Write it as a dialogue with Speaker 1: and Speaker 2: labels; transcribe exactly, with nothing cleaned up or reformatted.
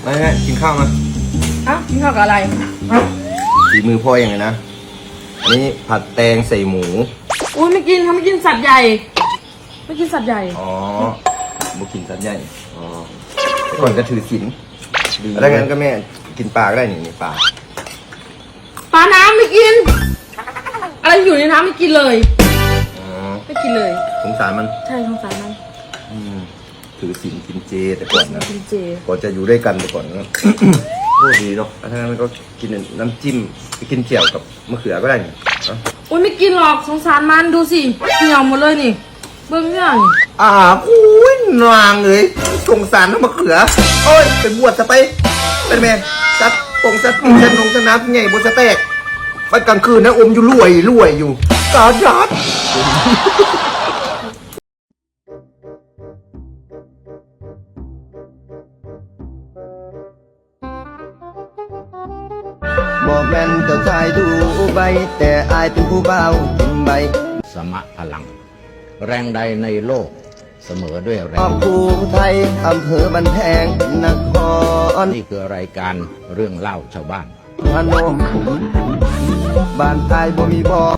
Speaker 1: มาฮะกินข้าวมา
Speaker 2: อ่ะกินข้าวกับอะไร
Speaker 1: ฝีมือพ่อยังไงนะอันนี้ผัดแตงใส่หมู
Speaker 2: อุ้ยไม่กินเขาไม่กินสัตว์ใหญ่ไม่กินสัตว์ใหญ่
Speaker 1: อ๋อบุกินสัตว์ใหญ่อ๋อแต่ก่อนก็ถือศีลแล้วงั้นก็แม่กินปลาก็ได้นี่นี่ปลา
Speaker 2: ปลาน้ำไม่กินอะไรอยู่ในน้ำไม่กินเลย
Speaker 1: อ๋อ
Speaker 2: ไม่กินเลย
Speaker 1: สงสารมัน
Speaker 2: ใช่สงสารมัน
Speaker 1: ถือศีลกินเจแต่ก่อนนะ
Speaker 2: กินเจ
Speaker 1: ก่อนจะอยู่ด้วยกันแต่ก่อนนะโอ้ดีเนาะถ้างั้นก็กินน้ำจิ้มไปกินเจียวกับมะเขือก็ได้นี่
Speaker 2: โอ้ยไม่กินหรอกสงสารมันดูสิเหี่ยวหมดเลยนี่เบิ้งเนี่ยนี่
Speaker 1: อ่าอุ้ยนางเลยสงสารน้ำมะเขือโอ้ยเป็นบวชจะไปเป็นแม่ซัดปงซัดปีซัดนงซัดน้ำไงบนสเต็กไปกลางคืนนะอมอยู่รวยรวยอยู่กาจัดบอกแม่นเจ้าชายดูใบแต่อายเป็นผู้เบากินใบ
Speaker 3: สมะพลังแรงใดในโลกเสมอด้วยแรง
Speaker 1: ภูไทยอำเภอบันแพงนคร
Speaker 3: นี่คือรายการเรื่องเล่าชาวบ้าน
Speaker 1: พนมบ้านไทยบ่มีบ่อ